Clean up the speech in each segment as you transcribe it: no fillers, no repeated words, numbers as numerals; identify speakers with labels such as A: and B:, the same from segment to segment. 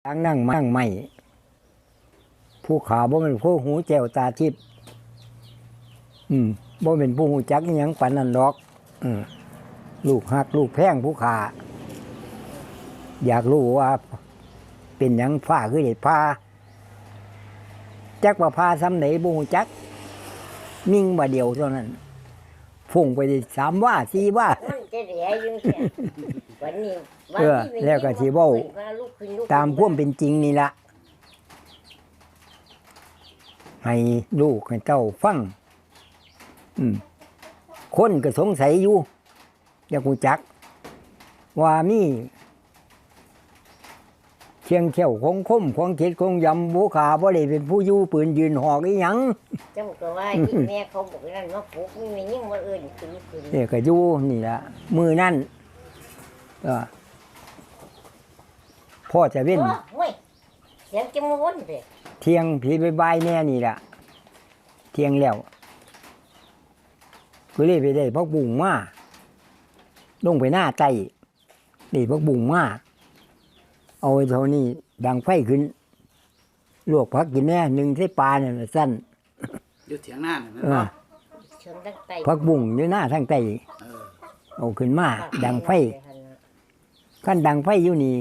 A: นั่งไม่ผู้ขาบ่เป็นผู้หูแจ้วตาทิพย์บ่เป็นผู้หูจักอิหยังปานนั้นดอกลูกหักลูกแพงผู้ขาอยากรู้ว่าเป็นหยังฟ้าคือได้พาจักว่าพาซ้ำไหนบ่ฮู้จักนิ่งบ่เดียวเท่านั้นพุ่งไปได้3ว่า4ว่า
B: มันจะเหลืออยู่เสียวันนี้
A: แล้วก็สิเว้าตามความเป็นจริงนี่ล่ะให้ลูกให้เต้าฟังคนก็สงสัยอยู่อยากรู้จักว่ามีเชียงเขี้ยวของคมของเข็ดของยำบูขาบ่ได้เป็นผู้อยู่ปืนยืนหอกอีหยัง
B: เจ้าก็ว่าที่แม่เขาบอกนั่นว่าปลูกมียิ่งว่าอื่นคือ
A: เนี่ยก็อยู่นี่ล่ะมือนั่นพ่อจะเว้น
B: เสียงจะมาวนเลย
A: เที่ยงผีบายแน่นี่ล่ะเที่ยงแล้วก็เลยไปได้พักบุ้งมาลงไปหน้าไตนี่พักบุ้งมาเอาไว้เท่านี้ดังไฟขึ้นลวกพักกินแน่หนึ่งใส่ปลาเนี่ยสั้น
C: อยู่เถียงหน้าเนี่ย
A: พักบุ้งอยู่หน้าทางไตเอาขึ้นมาดังไฟขั้นดังไฟอยู่นี่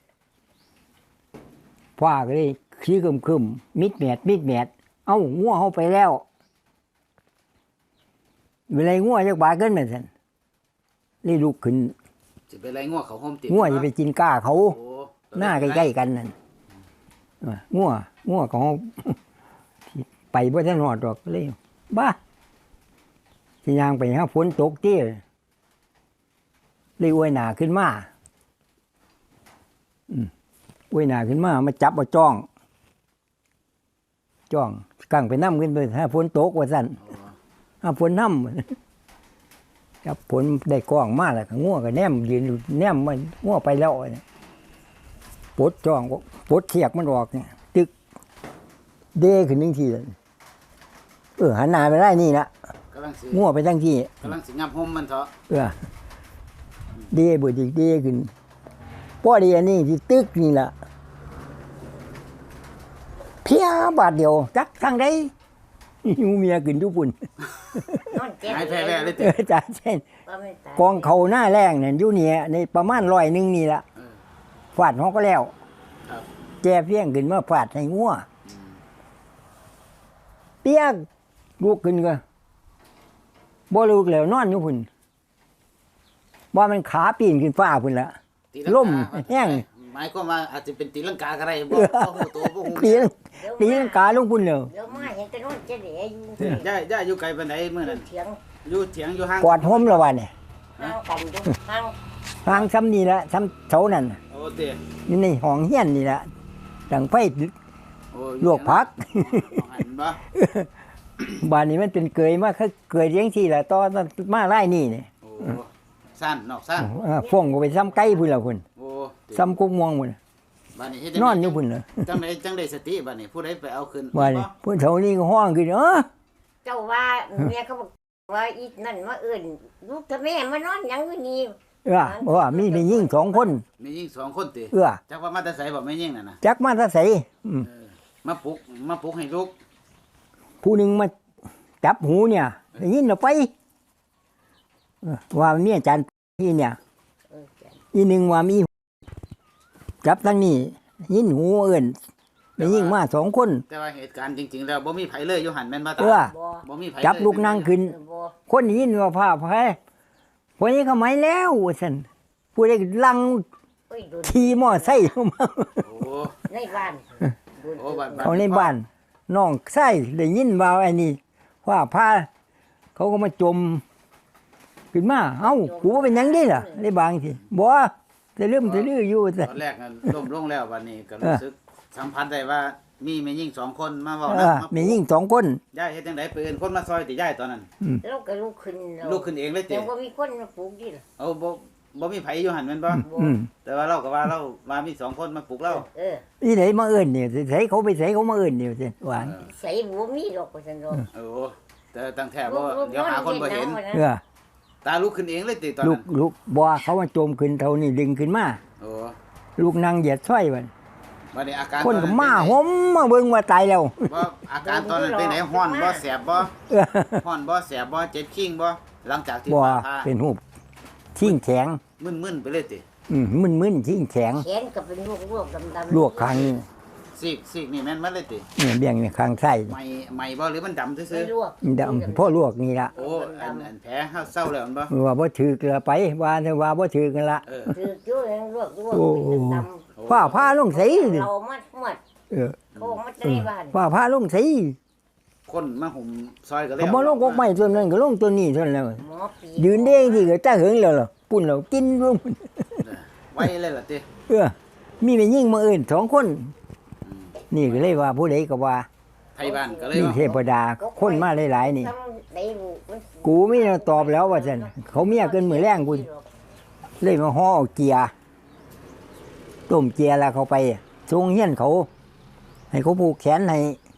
A: พ่อก็เลยขี้คึมมิดแมดเอ้างัวเข้าไปแล้วเวลางัวจะบาเกินเหมือนกันเลยลุกขึ้น
C: จะไปไล่งัวเขาห้มติด
A: งัวจะไปกินก้าเขาหน้าใกล้ๆกันนั่นงัวของไปบ่ทันหอดดอกเลยบ้าสิยางไปหาฝนตกเตี้ยเลยอวยหนาขึ้นมาอวยหนาขึ้นมาจับเอาจ้องกั้งไปน้ำขึ้นไปหาฝนตกว่าสั่นหาฝนน้ำจับฝนได้กล้องมาแล้วก็งัวก็แนมยืนแนมมันงัวไปแล้วปลดจ้องปลดเขียกมันออกเนี่ยตึกเด้ขึ้นนึงทีเลยหันหน้าไปได้นี่ละงัวไปทั้งที่
C: กำลังสิงับห่มมันเถอะ
A: เด้บ่จิเด้ขึ้นป้อดีอันนี้ที่ตึกนี่ล่ะเพียบาทเดียวจักทางใดยูเมียขึ้นทุกปุ่น
C: หายแพ้เลย
A: จ้าเช่นกองเขาหน้าแรงเนี่ยอยู่เนี่ยในประมาณ100นี่ล่ะฟาดเขาก็แล้วแจเพียงขึ้นมาฟาดให้งัวเปียกลุกขึ้นก็บ่ลุกแล้วนอนอยู่พุ่นว่ามันขาปีนขึ้นฟ้าพุ่นละล่มแห้ง
C: หมายความว่าอาจจะเป็นตีลังกาอะไรบ่ตัวบ่ฮู้
A: ตีลังกาลงพุ่นแล้ว
B: เดี๋ยวมาเห็นแต่นอนจะเหลือ
C: อยู่ย่าอยู่ไกลปานใดมื้อนั้นอยู่เถียงอยู่ห่าง
A: กอดห่มแล้วว่าเนี่ย
B: ห่างกันอยู่
A: ห่างซ้ำนี่ละซ้ำเสานั่น
C: โอ้เด้
A: นี่ในห้องเฮียนนี่ละดังไฟลวกผักบ้านนี้มันเป็นเกยมากคือเกยเลี้ยงที่ละตอนมาไล่นี่เนี่ย
C: สั้นนอกสั้น
A: ฟงก็ไปซ้ำไก่พุ่นละพุ่นซ้ำกุ๊กม่วงพุ่นนอนอยู่พุ่นเลย
C: จังได้สติบ้านนี้ผู้ใดไปเอาขึ้น
A: บ้านนี้ผู้เฒ่านี่ก็ห้องขึ้น
B: เจ้าว่าเมียเขาบอกว่าอีนั่นมาอื่นลูกทำแม่มานอนยังอยู่นี่
A: ว่ามีแม่ยิ่ง2คน
C: แม่ยิ่ง2คนติจักว่ามาแต่ไสบ่แม่ยิ่งน่ะนะ
A: จักมาแต่ไส
C: มาปลุกให้ลูก
A: ผู้นึงมาจับหูเนี่ยได้ยินแล้วไปว่ามีอาจารย์ที่เนี่ยอีนึงว่ามีจับทั้งนี้ยินหูเอิ้นได้ยิงมา2คน
C: แต่ว่าเหตุการณ์จริงๆแล้วบ่มีไผเลยอยู่หั่นแม่นบ่ตาบ่มีไผ
A: จับลูกนั่งขึ้นคนยินว่าพาไผพวกนี้เขาหมายแล้วซั่นผู้ใดลังขี่มอไซค์เข้ามา
B: ในบ้าน
A: เขาในบ้านน้องไส้ได้ยินว่าไอ้นี่ว่าพาเขาก็มาจมขึ้นมาเอ้ากูว่าเป็นยังได้ล่ะได้บางทีบ่จะลืออยู่
C: ตอนแรกล้มลงแล้ววันนี้ก็รู้สึกสัมพันธ์ได้ว่ามีแม่ยิ่ง2คนมาเว้านะ
A: แม่ยิ่ง2คน
C: ยายเฮ็ดจังได๋เปิ้นคนมาซอยติยายตอนนั้น
B: แล้วก็ลุกขึ้น
C: เองเลยติ
B: แต่บ่มีคนมาปลูกดิล่ะ
C: เอาบ่มีไผอยู่หั่นแม่นบ่แต่ว่าเราก็ว่าเราว่ามี2คนมาปลูกเรา
A: อีไหนมาเอิ้นนี่ใส่เขาไปใส่เขามาเอิ้นนี่ซั่นหวาน
B: ใส่บ่มีดอกว่าซั่นดอก
C: แต่ตั้งแท้บ่เดี๋ยวหาคนบ่เห็นตาลุกขึ้นเองเลยติตอน
A: นั้นลุกบ่เขามาโจมขึ้นเท่านี้ดึงขึ้นมาลูกนั่งเหยียดซ้อยมัน
C: บัดนี้อาการ
A: คนก็มา
C: ตอ
A: หอมมาเบิ่งว่าตายแล้ว
C: ว่าอาการตอนนั้นเป็นไหนฮ้อนบ่แสบบ่
A: เออ
C: ฮ้อนบ่แสบบ่เจ็บคิงบ่หลังจากที่
A: บ่
C: ผ่า
A: เป็นหูปชิงแข็ง
C: มึนๆไปเลยติ
A: มึนๆชิงแข็ง
B: แขนก็เป็นลวกดำๆ
A: ลวกคางนี่
C: ซีกนี่แม่นมาเลยติ
A: เนี่ยเบี่ยงนี่ข้างไส้
C: ไหม่บ่หรือมันดำซื่
B: ไม่
C: อ
B: ลวก
A: ดำพ่อลวกนี่ละ
C: ๆโอ้อันแผลเฮาเศร้าแล้วมันบ่
A: ว่าบ่ถือเกลือไปว่าแต่ว่าบ่ถือกันละ
C: เออ
B: คือจุ้ยลวก
A: โอ้
B: เป็นด
A: ฟ้าผ้าลงใส
B: ำ
A: นี่
B: เรามัด
A: เออ
B: โค้งมัดในบ้าน
A: ฟ้าผ้าลงใส
C: คนมาห่มซอยก็เลย
A: ก็บ่ลงกกไม้ตัวนั้นก็ลงตัวนี้เท่านั้นแล้ว
B: หมอปี
A: ยืนเด้งที่ก็ตาเหิงแล้วล่ะปุ่นแล้วกินรวม
C: ไว้เลยล่ะติ
A: เออมีแม่ยิ่งมาอื่น2คน นี่ก็เลยว่าผู้ใดก็ว่า
C: ไทยบ้านก็เลย
A: นี่
C: ว่า
A: เทพดาคนมาหลายๆนี่
B: ทำได้ลูกมัน
A: กูไม่ได้ตอบแล้วว่าซั่นเขาเมียเกินมื้อแรงกูเลยมาห่อเอาเกียร์ต้มเกียร์แล้วเขาไปส่งเฮียนเขา ให้เขาผูกแขนให้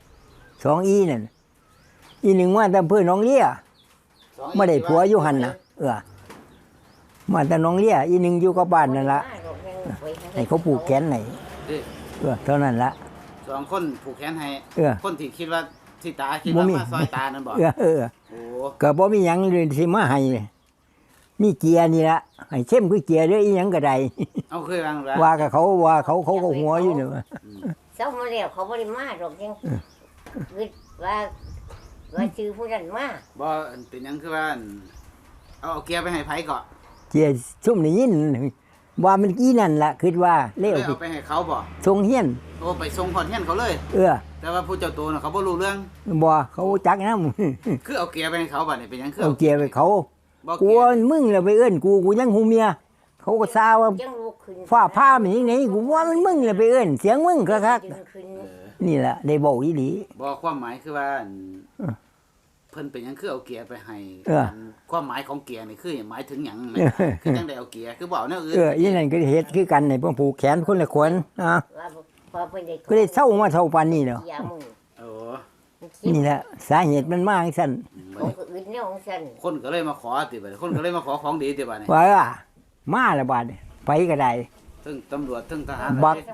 A: 2อีนั่นอีหนึ่งว่าแต่อำเภอหนองเลี้ยไม่ได้ผัวอยู่หั่นน่ะมาแต่หนองเลี้ยอีหนึ่งอยู่กับบ้านนั่นล่ะให้เขาผูกแขนให้
C: ติ
A: เท่านั้นล่ะ
C: 2คนผูกแขนให้
A: เออ
C: คนที่คิดว่าที่ตาคิด
A: บ่
C: ว่า
A: มี
C: มาซอยตานั่นบ่ โอ้
A: ก็บ่มีหยังเลยสิมาให้เลยมีเกียร์นี่ละให้เข้มคือเกียร์เด้ออีหยังก็ได้
C: เอาเคยวางแล้ว
A: ว่ากับเขาว่าเขาก็หัวอยู่นี่ว่า
B: เจ้ามาแล้วเขาบริมาหรอกยังคิดว่าชื่อผู้นั้นมา
C: บ่อันเป็นหยังคือว่าอันเอาเกียร์ไปให้ไผก่อน
A: เกียร์ซุ่มนี่ยินว่ามันกี้นั่นล่ะคิดว่าเลว
C: เลย
A: สิ
C: เอาไปให้เขาบ่
A: ทรงเฮียน
C: โอ้ไปส่งพอนเฮียนเขาเลย
A: เออ
C: แต่ว่าผู้เจ้าตัวน่ะเขาบ่รู้เรื่อง
A: บ่เขาจักนำ
C: คือเอาเกียร์ไปให้เขาบัดนี้เป็นหยังคือ
A: เอาเกียร์ไปเขา
C: บ่
A: กู
C: เกียร์
A: มึงแล้วไปเอิ้นกูยังหูเมียเขาก็ซาว่า
B: ยังลูกขึ้น
A: ฟ้าผ้ามันยังไงกูว่ามันมึงแล้วไปเอิ้นเสียงมึงคัก
B: ดึงขึ้น
A: ๆนี่ล่ะได้บอกอีหลี
C: บ่ความหมายคือว่าอันเพิ่นเป็นหยังคือเอาเกียร์ไปให้
A: เออ
C: อันความหมายของเกียร์นี่คือหมายถึงหยัง
A: เออ
C: คือจังได๋เอาเกียร์คือบ่เอาแนวอื่น
A: อีนั่นก็เฮ็ดคือกันให้เพิ่นผูกแขนคนละคนอ่ะ
B: ว่าพอเป็นเด็ก
A: ก็ได้เศร้ามาเท่าปานนี้แล้ว
B: ยามึง
C: โอ้
A: นี่แหละสาเหตุมันมาจังซั่น
B: ของอื่นเนี่ยของฉัน
C: คนก็เลยมาขอติบัดนี้คนก็เลยมาขอของดีติบัดนี้
A: ว่ามาละบาดนี้ไปก็ได้
C: ถึงตำรวจถึงทหาร
A: บัก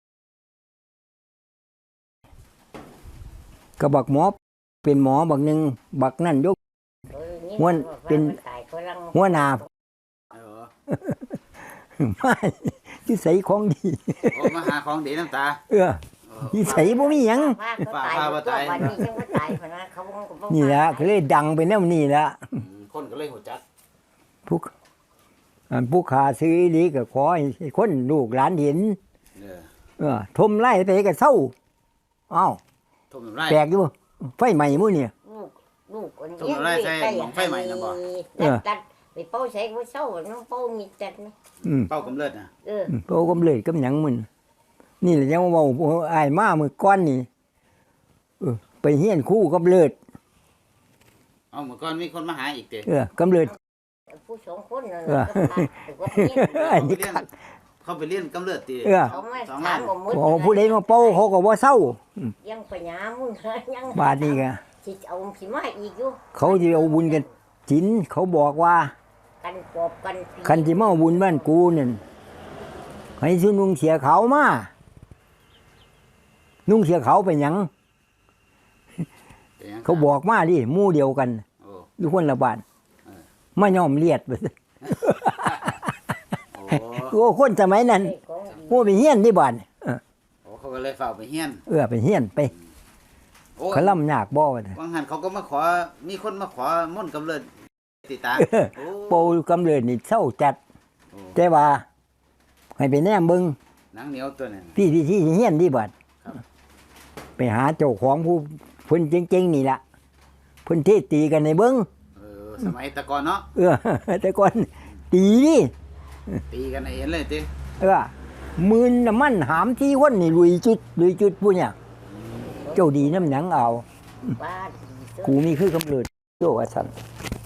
A: ก็บักหมอเป็นหมอบักหนึงบักนั่นยก ม้วนเป็น หัวหน้า
C: เออ
A: มาที่ใส่ของดี
C: โอ้มาหาของดีน้ำตา
A: เออที่ใส่บ่มีหยัง
B: ป้าเขาตายวันนี้ฉันก็ตายพนะเขา
A: นี่ละก็เลยดังไปแนวนี้ละ
C: คนก็เลยหัวจัก
A: ผู้ขาซื้ออีหลีก็ขอให้คนลูกหลานเห็น
C: เออ
A: ทมไล่ไปก็เศร้าอ้าว
C: ทุ่มน้ำลาย
A: แปลกอยู่ไฟใหม่มื้อนี่
B: ลูก ตัดไปเป้าใช้ก็เศร้าน้องเป้ามีจัดนะ
C: เป้ากำเริดนะ
A: โตกำเลยกำหยังมึนนี่แหละยังว่าอ้ายมามื้อก่อนนี่ไปเฮียนคู่กำเลิด
C: เอาเมื่อก่อนมีคนมาหาอีกเด้
A: กำเลิด
B: ผู้สองคนนั่น
A: อันนี้คัก
C: เขาไปเรียนกำเริดตี
B: เขาไม่ถามว่ามุด
A: โอ้ผู้ใดมาเป่าเขาก็บ่เศร้า
B: ยังปัญญามึงยัง
A: บาดนี้ก็
B: สิเอาสิมาอีกอยู่
A: เขาสิเอาบุญกันศีลเขาบอกว่า
B: กันปอบกัน
A: คันสิมาเอาบุญบ้านกูนั่นให้ซื้อนุ่งเสียขาวมานุ่งเสียขาวเป็นหยังเขาบอกมาดิหมู่เดียวกันอยู่คนละบ้านมาย่อมเลียดไป โอ้คนสมัยนั้นผู้ไปเฮียนที่บ้าน
C: เขาก็เลยเฝ้าไปเฮียน
A: ไปเฮียนไปเขาล่ำยากบ่ว่า
C: บางหันเขาก็มาขอมีคนมาขอม่นต์กำเริดติตา
A: โปกำเริดนี่เศร้าจัดแต่ว่าให้ไปแนมเบิ่ง
C: หนังเหนียวตัวนั้น
A: พี่ที่เฮียนที่บ้านไปหาเจ้าของผู้เพิ่นเจ๋งๆนี่ล่ะเพิ่นเทศตีกันในเบิ่ง
C: สมัยตะกอนเนาะ
A: แต่ก่อนตีนี่
C: ตีกันให้เห็นเลยติ
A: มืนน้ำมันหามที่วันนี่ลุยจุดผู้เนี่ยเจ้าดีน้ำหนังเอา
B: บ้าน
A: กูมีคือกำเริดโจ้ว่าซั่น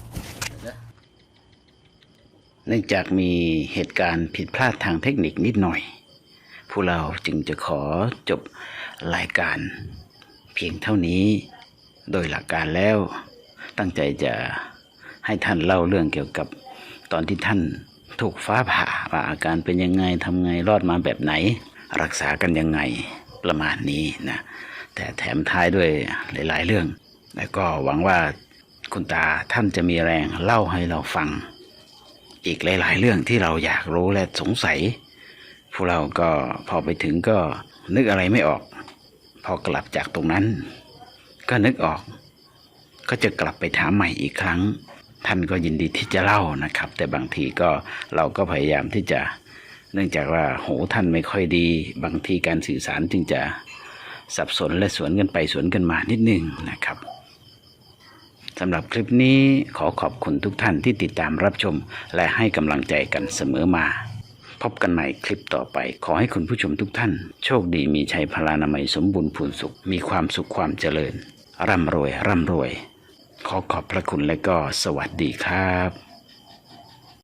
C: เนื่องจากมีเหตุการณ์ผิดพลาดทางเทคนิคนิดหน่อยผู้เราจึงจะขอจบรายการเพียงเท่านี้โดยหลักการแล้วตั้งใจจะให้ท่านเล่าเรื่องเกี่ยวกับตอนที่ท่านถูกฟ้าผ่าว่าอาการเป็นยังไงทำไงรอดมาแบบไหนรักษากันยังไงประมาณนี้นะแต่แถมท้ายด้วยหลายๆเรื่องแล้วก็หวังว่าคุณตาท่านจะมีแรงเล่าให้เราฟังอีกหลายๆเรื่องที่เราอยากรู้และสงสัยพวกเราก็พอไปถึงก็นึกอะไรไม่ออกพอกลับจากตรงนั้นก็นึกออกก็จะกลับไปถามใหม่อีกครั้งท่านก็ยินดีที่จะเล่านะครับแต่บางทีก็เราก็พยายามที่จะเนื่องจากว่าหูท่านไม่ค่อยดีบางทีการสื่อสารจึงจะสับสนและสวนกันไปสวนกันมานิดนึงนะครับสำหรับคลิปนี้ขอขอบคุณทุกท่านที่ติดตามรับชมและให้กำลังใจกันเสมอมาพบกันใหม่คลิปต่อไปขอให้คุณผู้ชมทุกท่านโชคดีมีชัยพลานามัยสมบูรณ์พูนสุขมีความสุขความเจริญร่ำรวยขอขอบพระคุณและก็สวัสดีครับ